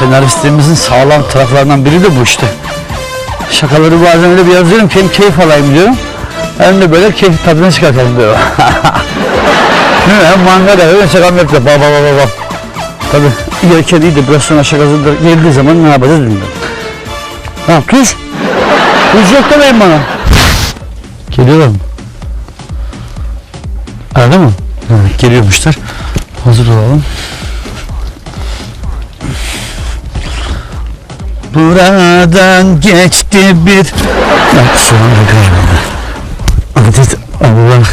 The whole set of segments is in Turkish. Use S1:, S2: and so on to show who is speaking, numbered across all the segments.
S1: Senaristliğimizin sağlam taraflarından biri de bu işte. Şakaları bazen öyle bir yazıyorum ki hem keyif alayım diyorum. Hem de böyle keyif tadını çıkartalım diyorum. Hem mangada öyle şakam yapıyor. Baba. Tabii ilerken iyi de biraz sonra şakası geldiği zaman ne yapacağız bilmiyorum. Tamam tuz. Tuz yok demeyin bana. Geliyorlar mı? Arada mı? Evet, geliyormuşlar. Hazır olalım. Buradan geçti bir... Bak sonra galiba. Adet Allah.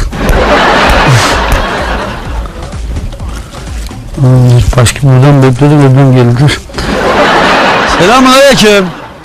S1: Başka buradan bekledim öbürüm geldi. Selamünaleyküm.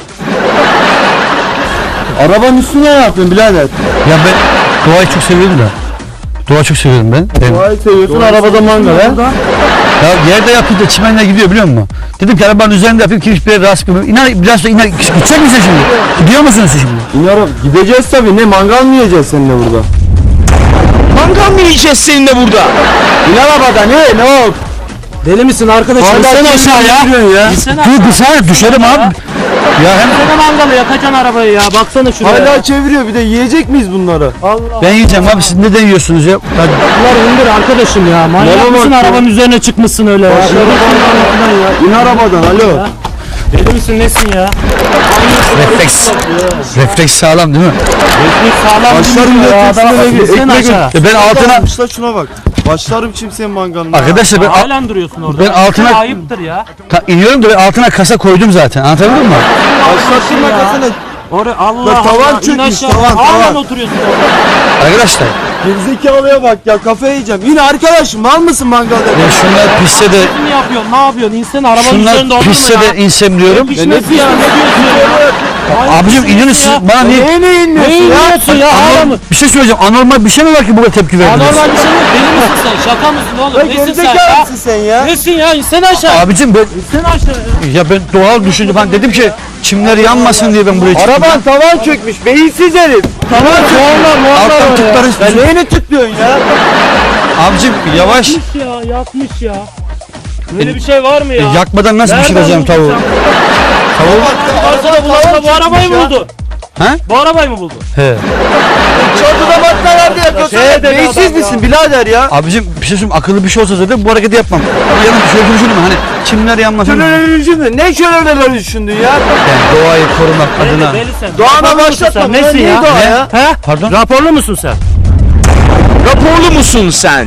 S2: Arabanın üstüne ne yapıyorsun birader?
S1: Ya ben doğayı çok seviyorum da. Doğa çok seviyorum ben.
S2: Doğayı seviyorsun, arabada mangal ha?
S1: Ya yerde yapıp da çimenle gidiyor biliyor musun? Dedim ki arabanın üzerinde yapayım ki hiçbir yere rahatsız etmiyorum. İnan biraz da iner. Gidecek misin şimdi? Gidiyor musun sen şimdi?
S2: İnarım. Gideceğiz tabii. Ne mangal mı yiyeceğiz seninle burada?
S3: Mangal mı yiyeceğiz seninle burada?
S2: İn arabada ne oldu?
S3: Deli misin arkadaşım?
S2: Hala
S3: İnsene aşağıya.
S2: ya.
S1: Dur bir saniye düşerim abi. Ya hem
S3: Sen mangalı yakacaksın arabayı ya. Baksana şuraya.
S2: Hala çeviriyor, bir de yiyecek miyiz bunları?
S3: Allah.
S1: ben yiyeceğim abi, siz neden yiyorsunuz ya?
S3: Bunlar indir arkadaşım ya. Manyak mısın, arabanın üzerine çıkmışsın öyle ya.
S2: İn arabadan alo.
S3: Deli misin nesin ya?
S1: Refleks sağlam değil mi?
S3: Refleks sağlam
S2: Başlarım
S3: değil ya. Adamı
S2: ekmek
S3: beklesin aşağı.
S1: Ben altına...
S2: Almışlar, şuna bak. Başlarım kimsenin mangalına.
S1: Arkadaşlar ben,
S3: Halen duruyorsun orada.
S1: ben altına...
S3: Ayıptır ya.
S1: iniyorum da ben altına kasa koydum zaten. Anlatabildim mi?
S2: Başlarsın makasına.
S3: Oraya Allah
S2: Lan tavan
S3: Allah.
S2: çökmüş,
S3: İn aşağı.
S2: tavan.
S3: Halen oturuyorsun orada.
S1: Arkadaşlar
S2: Gerizekalıya bak ya, kafayı yiyeceğim. Yine arkadaşım, mal mısın mangalda?
S1: ben şunlar pisse de...
S3: Ne yapıyorsun? Ne yapıyorsun? İnsene arabanın üzerinde
S1: Şunlar
S3: olur mu
S1: pisse
S3: ya?
S1: de insem diyorum.
S3: Pişmesi ya. Ne diyorsun ya?
S1: Abicim inin siz bana niye...
S2: Neye inmiyorsun
S3: Ne
S2: ya?
S3: yiyorsun ya? Ağla mı?
S1: Bir şey söyleyeceğim. Anormal bir şey mi var ki bu kadar tepki verdiniz?
S3: Anormal bir şey yok. Deli misin sen? Şaka mısın oğlum?
S2: Lan
S3: Nesin sen ya?
S2: gerizekalısın sen ya.
S3: Nesin ya? İnsene aşağı.
S1: Abicim ben...
S3: İnsene aşağı ya.
S1: Ya ben doğal düşündüm. Ben dedim ki çimler yanmasın diye ben buraya çıktım.
S2: Araban tavan çökmüş, beyinsiz herif. Tavan çökmüş.
S1: Alttan tıkları...
S2: Sen neyini tıklıyorsun ya?
S1: Abicim yavaş.
S3: Yakmış ya. Böyle bir şey var mı ya?
S1: Yakmadan nasıl pişireceğim tavuğu?
S3: Varsa da bulansa bu arabayı mı buldu?
S1: He?
S3: Bu arabayı mı buldu?
S1: He.
S2: Çatıda batmalarda yakıyorsun. Beyinsiz misin birader ya?
S1: Abicim bir şey söyleyeyim, akıllı bir şey olsa zaten bu hareketi yapmam. Ama yanım şöyle düşündüm hani çimler yanmasın.
S2: Şöyle düşündün. Ne şöyle düşündün ya?
S1: Yani doğayı korumak adına.
S3: Deli sen.
S2: Doğana
S3: Raporlu musun
S2: başlatma,
S3: sen?
S2: bunlar
S3: Nesin
S2: niye
S3: ya?
S2: doğa ya?
S3: He?
S1: Pardon?
S3: Raporlu musun sen? Raporlu musun sen?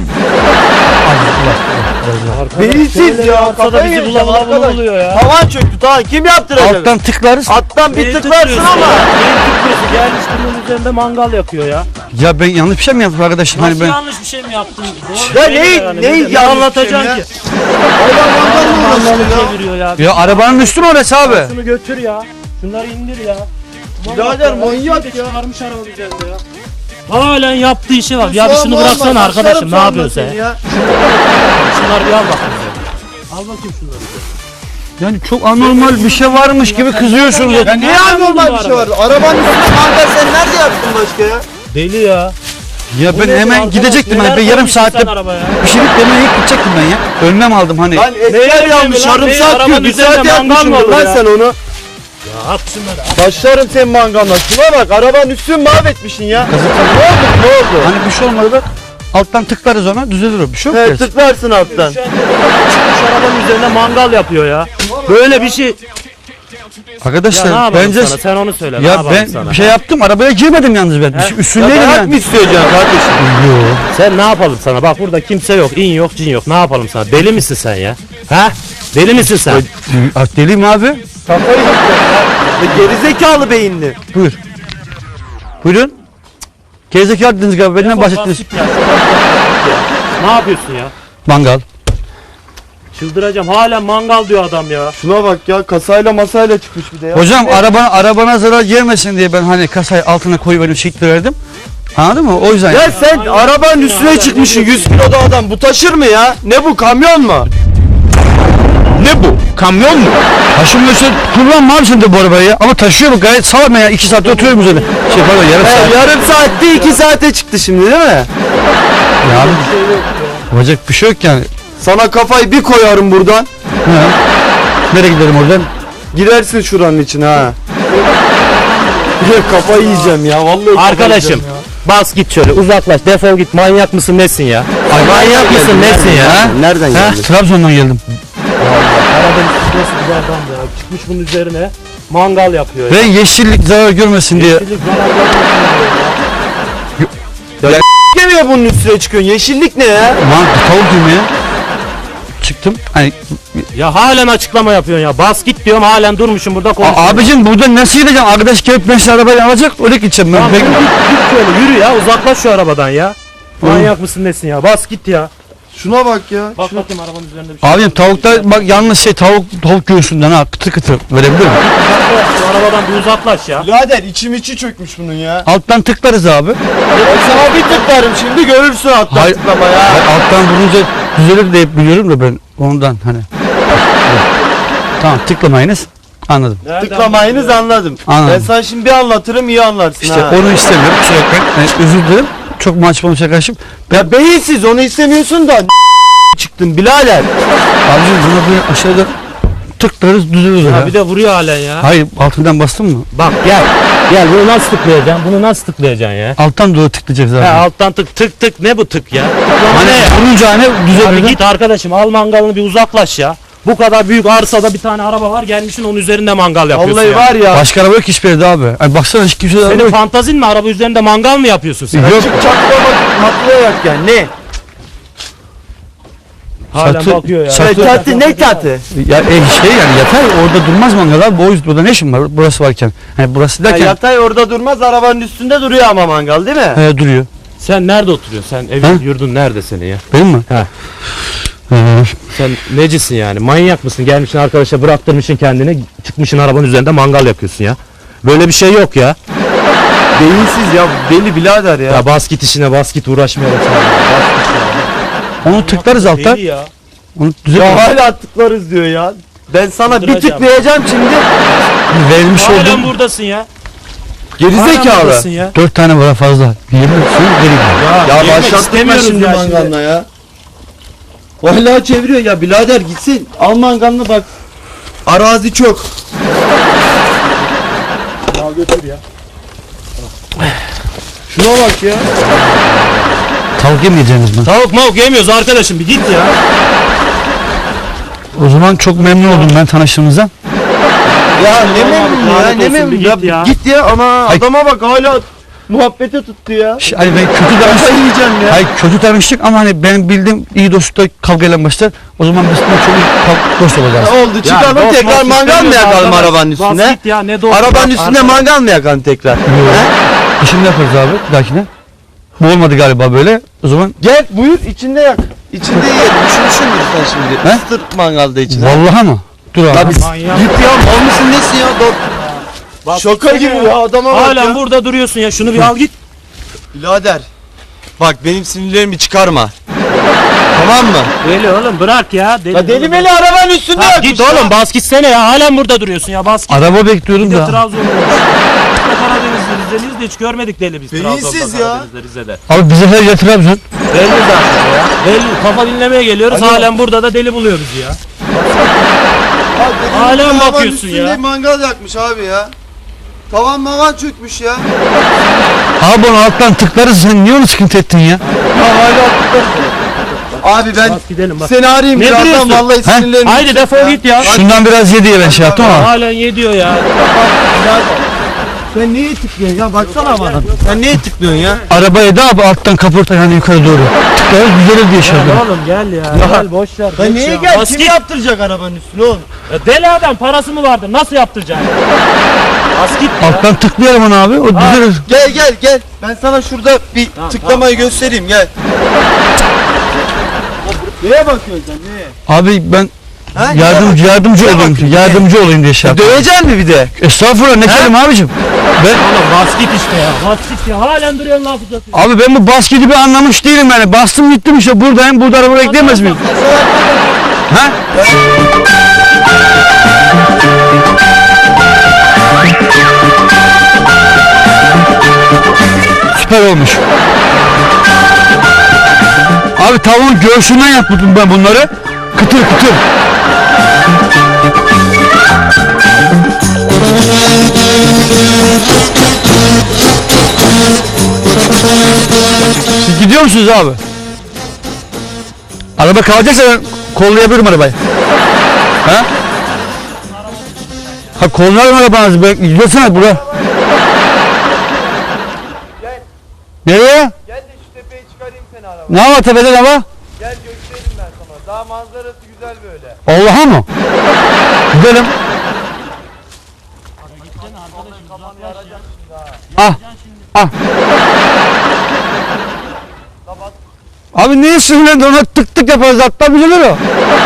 S2: Beyinsiz ya.
S3: Ortada
S2: Kafayı
S3: bizi
S2: yiyeceğim
S3: bula
S2: arkadaş.
S3: buluyor ya.
S2: Tavan çöktü, tamam. Kim yaptıracak?
S1: Alttan tıklarız.
S2: Alttan bir tıklarsın ama.
S3: Gelmiş bunun üzerinde mangal yakıyor ya.
S1: Ya ben yanlış bir şey mi yaptım arkadaşım?
S3: Nasıl
S1: Hani ben...
S3: yanlış bir şey mi yaptın? Doğru
S2: Ya
S3: söyle
S2: neyi
S3: yani.
S2: yanlış
S3: Ne
S2: bir
S3: anlatacaksın
S2: şey
S3: ki?
S2: Hayvan mangalına uğraştın ya.
S3: Çeviriyor ya.
S1: Ya arabanın üstü mü orası abi?
S3: Şunu götür ya. Şunları indir ya.
S2: Birader manyak ya.
S3: Çıkarmış arabanın üzerinde ya. Halen yaptığı işe bak. Ya bir şunu bıraksana arkadaşım. Ne yapıyorsun sen? Şunları bir al bakayım. Al bakayım şunları.
S1: Yani çok anormal bir şey varmış gibi kızıyorsunuz.
S2: Ya niye anormal bir şey var? Arabanın üstünde mangal sen nerede yaptın başka ya?
S3: Deli ya.
S1: Ya ben hemen gidecektim hani ben yarım saatte pişirip yemeğe gidecektim ben ya. Önlem aldım hani.
S2: Lan etler yanmış, sarımsak yiyor. Bir saat yapmışsın lan sen onu.
S3: Ya at şunları.
S2: Başlarım senin mangalına. Şuna bak, arabanın üstünü mahvetmişsin ya. Ne oldu?
S1: Hani bir şey olmadı bak. Alttan tıklarız ona düzelir o. Bir şey yok.
S2: He,
S1: ki.
S2: tıklarsın alttan.
S3: Çıkmış arabanın üzerine mangal yapıyor ya. Böyle bir şey. Ya ne
S1: Arkadaşlar
S3: yapalım
S1: bence
S3: sana? Sen onu söyle. ne
S1: ya
S3: yapalım
S1: ben
S3: sana?
S1: bir şey yaptım, arabaya girmedim yalnız ben.
S2: Ya
S1: Üstündeydim
S2: dayak
S1: yani.
S2: mı isteyeceksin kardeşim?
S3: Sen ne yapalım sana? Bak burada kimse yok. İn yok, cin yok. Ne yapalım sana? Deli misin sen ya? Ha? Deli misin sen?
S1: Deliyim abi.
S2: Kafayı yiyeceksin ya. Gerizekalı beyinli.
S1: Buyur. Buyurun. Gerizekalı dediniz galiba. Benden bahsettiniz.
S3: Ne yapıyorsun ya?
S1: Mangal.
S3: Çıldıracağım. Hala mangal diyor adam ya.
S2: Şuna bak ya, kasayla masayla çıkmış bir de ya.
S1: Hocam arabana zarar gelmesin diye ben hani kasayı altına koyuverdim, şekli verdim. Anladın mı? O yüzden.
S2: Ya sen arabanın üstüne çıkmışsın, 100 kiloda adam. Bu taşır mı ya? Ne bu, kamyon mu?
S3: Ne bu? Kamyon mu?
S1: Taşınmışsın. Kullanma abi sen de bu arabayı ya. Ama taşıyorum gayet sağlam ya. 2 saatte oturuyorum üzerine. Pardon yarım saat.
S2: Yarım saatte 2 saate çıktı şimdi değil mi?
S1: Ya abi. Olacak bir şey yok yani.
S2: Sana kafayı bir koyarım buradan.
S1: Ha. Nereye gidelim oradan?
S2: Girersin şuranın içine ha. Kafayı yiyeceğim ya vallahi. kafayı
S3: Arkadaşım
S2: yiyeceğim
S3: bas git şöyle uzaklaş defol git manyak mısın nesin ya? Manyak mısın nesin ya?
S2: ya. Nereden geldin?
S1: Trabzon'dan geldim.
S3: Karadeniz nasıl bir adam ya çıkmış bunun üzerine mangal yapıyor
S1: Ben yeşillik zarar görmesin diye.
S2: Gemiye bunun üstüne çıkıyorsun. Yeşillik ne ya?
S1: Tavuk yemeye çıktım. Hani,
S3: Ya halen açıklama yapıyorsun ya bas git diyorum halen durmuşum burada konuşuyorsun.
S1: abicim burada nasıl gideceğim? Arkadaş gelip ben size arabayı alacak öyle gideceğim ben.
S3: Tamam, git şöyle yürü ya uzaklaş şu arabadan ya. Manyak mısın nesin ya bas git ya.
S2: Şuna bak ya.
S3: Bak bakayım arabanın üzerinde bir şey.
S1: Abicim tavukta bak yalnız tavuk göğsünden ha kıtır kıtır verebilir miyim?
S3: Şu arabadan bir uzaklaş ya.
S2: Birader içi çökmüş bunun ya.
S1: Alttan tıklarız abi.
S2: Sana bir tıklarım şimdi görürsün hatta
S1: Hayır.
S2: tıklama ya.
S1: Alttan vurunca düzelir diye biliyorum da ben ondan hani. Tamam tıklamayınız. Anladım.
S2: Tıklamayınız anladım.
S1: Anladım.
S2: Ben sana şimdi bir anlatırım iyi anlarsın
S1: İşte
S2: ha.
S1: onu istemiyorum. Kusura bakmayın. Özür dilerim. Çok maçmalı şakaşım.
S2: Ya beyinsiz onu istemiyorsun da çıktın birader.
S1: Abicim buna bir aşağıda tıklarız düzelir
S3: Ya
S1: ya.
S3: bir de vuruyor halen ya.
S1: Hayır altından bastın mı?
S3: Bak gel. Gel bunu nasıl tıklayacaksın? Bunu nasıl tıklayacaksın ya?
S1: Alttan doğru tıklayacağız abi.
S3: He alttan tık tık ne bu tık ya? Tıklama
S1: Hani
S3: ne ya?
S1: vurunca hani
S3: Abi
S1: düzelir.
S3: git arkadaşım al mangalını bir uzaklaş ya. Bu kadar büyük arsada bir tane araba var gelmişsin onun üzerinde mangal yapıyorsun
S2: Vallahi
S3: ya.
S2: var ya.
S1: Başka araba yok hiçbir yerde abi. Ay baksana hiç kimse de araba
S3: Senin
S1: yok.
S3: fantazin mi araba üzerinde mangal mı yapıyorsun sen?
S1: Yok.
S2: Çık çaklamak matlayarak yani ne?
S3: Halen
S1: Çatı-
S3: bakıyor ya.
S1: çatı-
S2: Katı ne katı?
S1: Ya şey yani yatay orada durmaz mangal abi. O yüzden burada ne işin var burası varken. Hani burası
S2: Ya
S1: derken
S2: yatay orada durmaz arabanın üstünde duruyor ama mangal değil mi?
S1: duruyor.
S3: Sen nerede oturuyorsun? Sen evin
S1: He?
S3: yurdun nerede senin ya?
S1: Benim mi?
S3: He.
S1: Ee,
S3: Sen necisin yani? Manyak mısın? Gelmişsin arkadaşa bıraktırmışsın kendini çıkmışsın arabanın üzerinde mangal yapıyorsun ya. Böyle bir şey yok ya.
S2: Beyinsiz ya deli birader ya.
S3: Ya bas git işine bas git uğraşmayalım sana. Bas git ya.
S1: onu tıklarız alttan.
S3: Deli ya.
S1: Onu düzelt.
S2: Ya hala tıklarız diyor ya. Ben sana bir
S3: Tıklayacağım.
S2: tıklayacağım şimdi.
S1: Verilmiş
S3: Halen
S1: olduğum
S3: buradasın ya.
S2: Gerizekalı.
S3: buradasın ya.
S1: 4 tane var fazla. Yemin ediyorum geri gidiyor.
S2: Ya
S3: yemek
S2: başlatma
S3: istemiyoruz
S2: şimdi
S3: ya
S2: mangalına ya. Vallahi çeviriyor ya birader gitsin. Al mangalını bak. Arazi çok.
S3: Ya götür ya.
S2: Şuna bak ya.
S1: Tavuk yemeyeceğiniz mi?
S3: Tavuk mavuk yemiyoruz arkadaşım bir git ya.
S1: O zaman çok memnun oldum ben tanıştığımızdan.
S2: Ya ne
S3: Tamam abi,
S2: memnun ya
S3: lanet
S2: ne
S3: olsun,
S2: memnun
S3: bir
S2: ya.
S3: git ya.
S2: Git ya ama
S1: Ay.
S2: adama bak hala muhabbete tuttu ya.
S1: Hani ben kötü
S2: Kafayı
S1: tanıştık.
S2: yiyeceğim ya.
S1: Hayır kötü tanıştık ama hani benim bildiğim iyi dostlukta kavgayla başlar. O zaman biz de çok iyi dost olacağız.
S2: Ne oldu çıkalım
S3: Ya,
S2: tekrar
S3: dost
S2: mangal mı
S3: istemiyoruz
S2: yakalım
S3: arkadaş.
S2: arabanın
S3: Bas
S2: üstüne?
S3: git ya ne dost.
S2: Arabanın
S3: bak,
S2: üstünde mangal mı yakalım tekrar?
S1: İşini yaparız abi bir dahakine. Bu olmadı galiba böyle. O zaman
S2: Gel buyur içinde yak. İçinde yiyelim. Üşümüşsündür sen şimdi.
S1: He?
S2: Isıtır mangalda içine.
S1: vallahi mı? Dur abi.
S2: Ya biz
S3: Manyak.
S2: git ya mal mısın nesin ya?
S3: Bak,
S2: Şaka gibi ya adama bak
S3: Halen
S2: ya.
S3: burada duruyorsun ya şunu bir al git.
S2: Birader. Bak benim sinirlerimi çıkarma. Tamam mı?
S3: Deli oğlum bırak ya.
S2: Ya deli meli arabanın üstünde
S3: Ha,
S2: yakmış
S3: git
S2: ya.
S3: oğlum bas gitsene ya halen burada duruyorsun ya bas git.
S1: Araba bekliyorum
S3: Bir de
S1: da.
S3: Trabzon'da. Karadeniz'de Rize'liyiz de hiç görmedik deli biz.
S2: Beyinsiz
S3: Trabzon'da,
S2: ya.
S3: Karadeniz'de, Rize'de.
S1: Abi bize her yer Trabzon.
S3: Belli zaten ya. Belli kafa dinlemeye geliyoruz
S2: Alo.
S3: halen burada da deli buluyoruz ya.
S2: Bak, dedim,
S3: Halen
S2: arabanın
S3: bakıyorsun
S2: üstünde
S3: ya.
S2: mangal yakmış abi ya. Tavan mavan çökmüş ya.
S1: Abi onu alttan tıklarız sen niye onu sıkıntı ettin ya?
S2: Ya hala Abi ben
S3: Bas gidelim bak.
S2: seni arayayım
S3: Ne
S2: birazdan
S3: duruyorsun?
S2: vallahi
S1: He?
S2: sinirlerim.
S3: Haydi defol git ya.
S1: Şundan biraz ye diye ben şey yaptım ama.
S3: Halen ye diyor ya.
S2: Sen niye tıklıyorsun ya baksana bana. Sen niye tıklıyorsun ya?
S1: Arabaya da abi alttan kaporta yani yukarı doğru. Tıklarız düzelir diye şey
S3: Gel
S1: yapıyorum.
S3: oğlum gel ya. Gel boş ver.
S2: Ya
S3: geç
S2: niye
S3: ya.
S2: gel?
S3: Bas
S2: Kim
S3: git.
S2: yaptıracak arabanın üstüne oğlum?
S3: Ya deli adam parası mı vardır? Nasıl yaptıracaksın? Bas git ya.
S1: Alttan tıklayalım onu abi o düzelir.
S2: Gel. Ben sana şurada bir
S3: Tamam,
S2: tıklamayı göstereyim gel. Neye bakıyorsun sen neye?
S1: Abi ben
S2: Ha?
S1: yardımcı
S2: Neye
S1: olayım.
S2: bakıyorsun?
S1: Yardımcı olayım diye şey yaptım.
S2: Dövecek mi bir de?
S1: Estağfurullah ne kelime abicim. Ben
S3: Oğlum bas git işte ya. Bas git ya. Halen duruyorsun laf uzatıyorsun.
S1: abi ben bu basketi bir anlamış değilim yani. Bastım gittim işte buradayım. Burada araba bekleyemez miyim? Ha? Süper olmuş. Abi tavuğun göğsünden yaptım ben bunları. Kıtır kıtır. Siz gidiyor musunuz abi? Araba kalacaksa ben kollayabilirim arabayı. Ha? Ha kollarım arabanızı. Gidiyorsunuz buraya.
S4: Gel.
S1: Nereye?
S4: Gel de şu tepeye çıkarayım seni araba.
S1: Ne var tepeden ama?
S4: Gel göstereyim ben sana. Daha manzarası güzel böyle.
S1: Allah'a mı? Gidelim.
S4: Kafanı yaracaksın şimdi ha.
S1: Ah. Ah.
S4: Kapat.
S1: Abi niye sinirlendi? Ona tık tık yaparız. Hatta bilir o.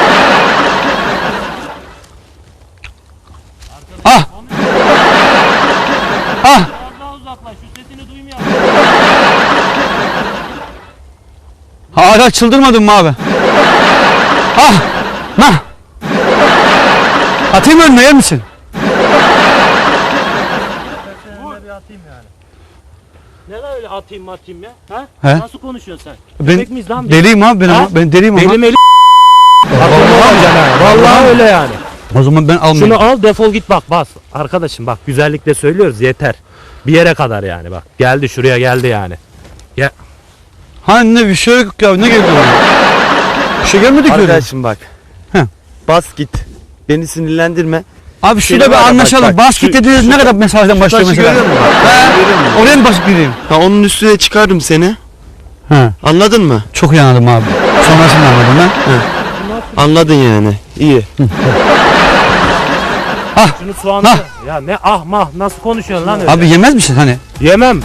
S1: Ah. Ah.
S3: Biraz daha uzaklaş. Şu sesini duymuyorum.
S1: Hala çıldırmadın mı abi? Ah! Nah! Atayım önüne yer misin?
S3: Bir atayım yani. Neden öyle atayım ya? Ha?
S1: He?
S3: Nasıl konuşuyorsun sen?
S1: Ben
S3: Köpek miyiz lan biz?
S1: deliyim abi
S3: Ha?
S1: ben deliyim ama.
S3: Benim elim Vallahi öyle yani.
S1: O zaman ben almayayım.
S3: Şunu al defol git bak bas. Arkadaşım bak güzellikle söylüyoruz yeter. Bir yere kadar yani bak. Geldi şuraya geldi yani.
S1: Hani ne bir şey yok ya ne geldi bana? Bir şey gelmedi ki öyle.
S2: Arkadaşım bak.
S1: Heh.
S2: Bas git. Beni sinirlendirme.
S1: Abi şurada
S2: Seni
S1: bir
S2: var ya,
S1: anlaşalım.
S2: bak,
S1: Basket dediğiniz ne kadar mesafeden başlıyor
S2: Taşı
S1: mesela?
S2: görüyor musun bak? Taşı görüyor musun?
S1: Oraya mı basıp gideyim?
S2: Ha, onun üstüne çıkarım seni.
S1: He.
S2: Anladın mı?
S1: Çok iyi anladım abi. Sonrasını anladım ben.
S2: Anladın yani. İyi.
S3: Şunu soğanı. Ya ne ah mah nasıl konuşuyorsun lan öyle?
S1: Abi yemez misin hani?
S3: Yemem.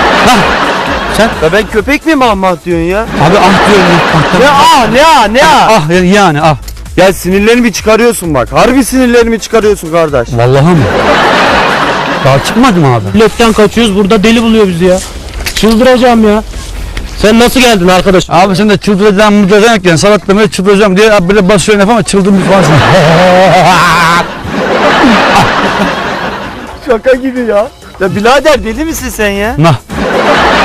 S2: Ya ben köpek miyim Ahmet diyorsun ya?
S1: Abi ah diyorum ya.
S2: Ne ah ne ah ne ah.
S1: Ah yani ah.
S2: Ya sinirlerimi çıkarıyorsun bak. Harbi sinirlerimi çıkarıyorsun kardeş.
S1: Vallahi mi? Daha çıkmadı mı abi?
S3: Milletten kaçıyoruz burada deli buluyor bizi ya. Çıldıracağım ya. Sen nasıl geldin arkadaş?
S1: Abi sen de çıldıracağım mıdıracağım yani salatlamaya çıldıracağım diye abi böyle basıyorsun laf ama çıldırmış falan.
S2: Şaka gibi ya. Ya birader deli misin sen ya?
S1: Nah.